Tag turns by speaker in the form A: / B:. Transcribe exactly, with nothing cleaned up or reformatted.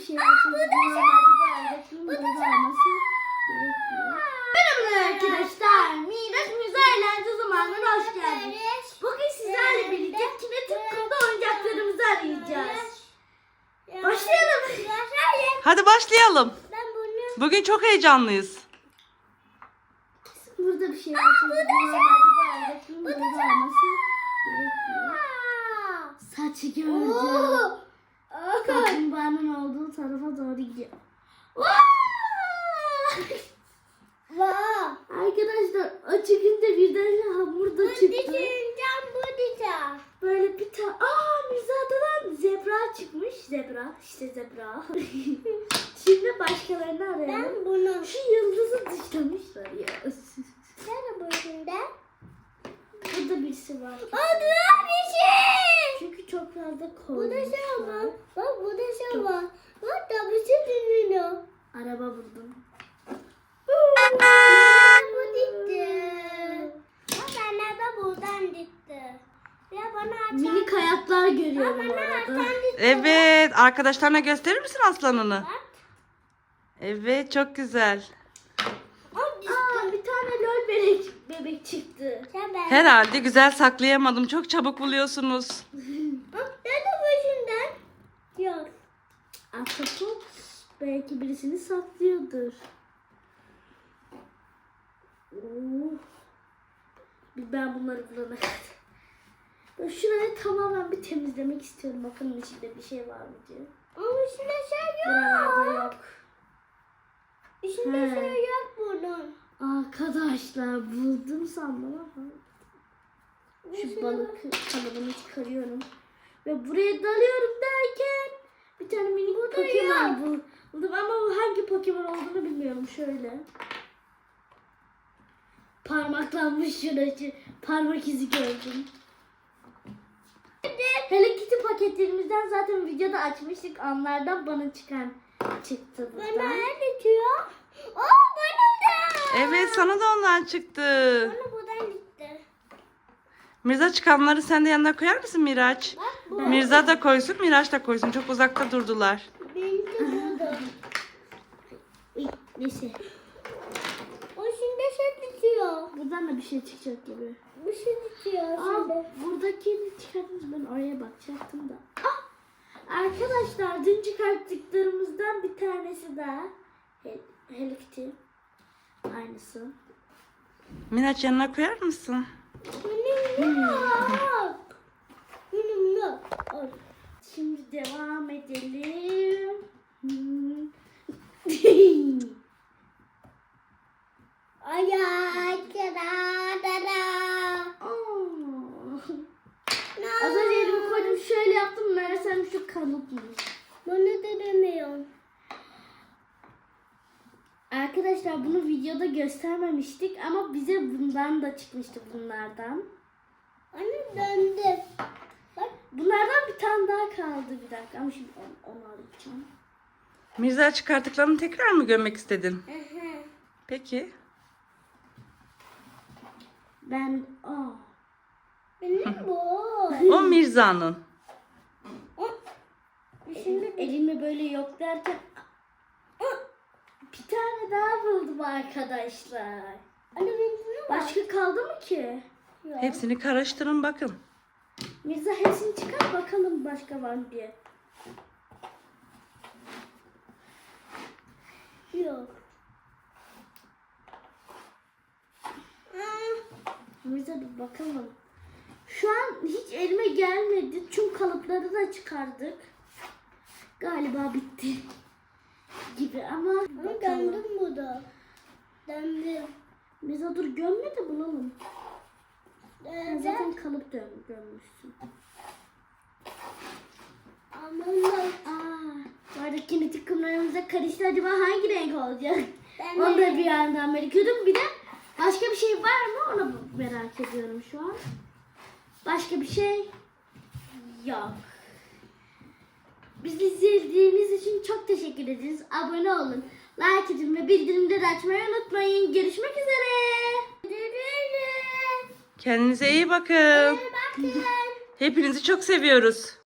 A: Şey Merhaba arkadaşlar. Miraç Müze Eğlence Zamanı'na hoş geldiniz. Bugün sizlerle birlikte kinetik kumda oyuncaklarımızı arayacağız. Başlayalım.
B: Hadi başlayalım.
A: Ben bunu...
B: Bugün çok heyecanlıyız.
A: Burada bir şey var. Burada bir şey var. Saçı gördüm. Kaplumbağanın olduğu tarafa doğru gidiyor. Arkadaşlar o çıkınca birden hamur da çıktı. Böyle bir tane. Aa Mirza'dan zebra çıkmış. Zebra. İşte zebra. Şimdi başkalarını arayalım.
C: Ben bunu.
A: Şu yıldızı dışlamışlar ya.
C: Nerede bu şimdi?
A: Burada birisi var.
C: Aa bir şey.
A: Çünkü çok fazla
C: Bu da
A: koymuşlar.
C: şey var. Bak bu da şey
A: Çok.
C: var. Bak da bir şey dinliyor.
A: Araba buldum.
C: Bu gitti. Bak anne de buradan gitti. Ya bana açar.
A: Minik hayatlar görüyorum
C: Bana
A: orada.
C: açar gitti.
B: Evet, arkadaşlarına gösterir misin aslanını?
C: Bak.
B: Evet, çok güzel.
C: O gitti.
A: Aa bir tane lol bebek, bebek çıktı.
C: Ya ben.
B: Herhalde güzel saklayamadım. Çok çabuk buluyorsunuz.
C: Bak nerede bu şimdiden? Yok.
A: Ahtapot belki birisini saklıyordur. Oo. Bir ben bunları bulana kadar. Ben şurayı tamamen bir temizlemek istiyorum. Bakın içinde bir şey var mı diye.
C: Ama içinde şey
A: Buralarda
C: yok.
A: yok.
C: İçinde
A: He.
C: şey yok bunun.
A: Arkadaşlar buldum sandım ama. Şu
C: İçinde
A: balık kalıbını çıkarıyorum. Ve buraya dalıyorum derken bir tane minik Pokemon bul- buldum ama o hangi Pokemon olduğunu bilmiyorum. Şöyle. Parmaklanmış şurası. Parmak izi gördüm. Hello Kitty paketlerimizden zaten videoda açmıştık. Onlardan bana çıkan çıktı
C: Bana
A: buradan.
C: ne diyor? Aa bana da.
B: Evet, sana da ondan çıktı.
C: Bana buradan gitti.
B: Mirza çıkanları sen de yanına koyar mısın Miraç?
C: Bak bu.
B: Mirza da koysun, Miraç da koysun. Çok uzakta durdular.
C: Benim de burada.
A: Uy, neyse.
C: O şimdi şey bitiyor.
A: Buradan da bir şey çıkacak gibi.
C: Bir şey bitiyor
A: Aa,
C: şimdi.
A: buradakini çıkardınız, ben oraya bakacaktım da. Ah! Arkadaşlar dün çıkarttıklarımızdan bir tanesi daha. Hel Hello Kitty. Aynısı.
B: Miraç yanına koyar mısın?
C: Benim yok. Benim yok. Al.
A: Şimdi devam edelim. Hmm.
C: Ay ay da da da.
A: Aa. Az önce elimi koydum şöyle yaptım. Meğersem şu kalıpmış.
C: Bunu da demiyorum.
A: Arkadaşlar bunu videoda göstermemiştik ama bize bundan da çıkmıştı bunlardan.
C: Anne döndü. Bak.
A: Bunlardan bir tane daha kaldı bir dakika ama şimdi onu, onu alacağım.
B: Mirza çıkarttıklarını tekrar mı görmek istedin?
C: Aha.
B: Peki.
A: Ben aa.
C: Benim bu.
B: O Mirza'nın.
A: Şimdi elimi böyle yok derken bir tane daha buldum arkadaşlar.
C: Anne benim ne var?
A: Başka kaldı mı ki?
C: Yok.
B: Hepsini karıştırın bakın.
A: Mirza hepsini çıkar bakalım başka var mı diye.
C: Yok. Aa,
A: Mirza bir bakalım. Şu an hiç elime gelmedi. Çünkü kalıpları da çıkardık. Galiba bitti gibi ama
C: Ama
A: bakalım.
C: döndüm bu da. Döndüm.
A: Mirza dur gömme de bulalım. Sen
C: Döndüm.
A: zaten kalıp dön gömmüşsün.
C: Aman
A: Aa, bu arada kinetik kumlarımıza karıştı. Acaba hangi renk olacak?
C: ben
A: Onu da
C: de.
A: bir yandan merak ediyorum. Bir de başka bir şey var mı? Onu merak ediyorum şu an. Başka bir şey yok. Bizi izlediğiniz için çok teşekkür ederiz. Abone olun, like edin ve bildirimleri açmayı unutmayın. Görüşmek üzere.
B: Kendinize iyi bakın.
C: Bakın.
B: Hepinizi çok seviyoruz.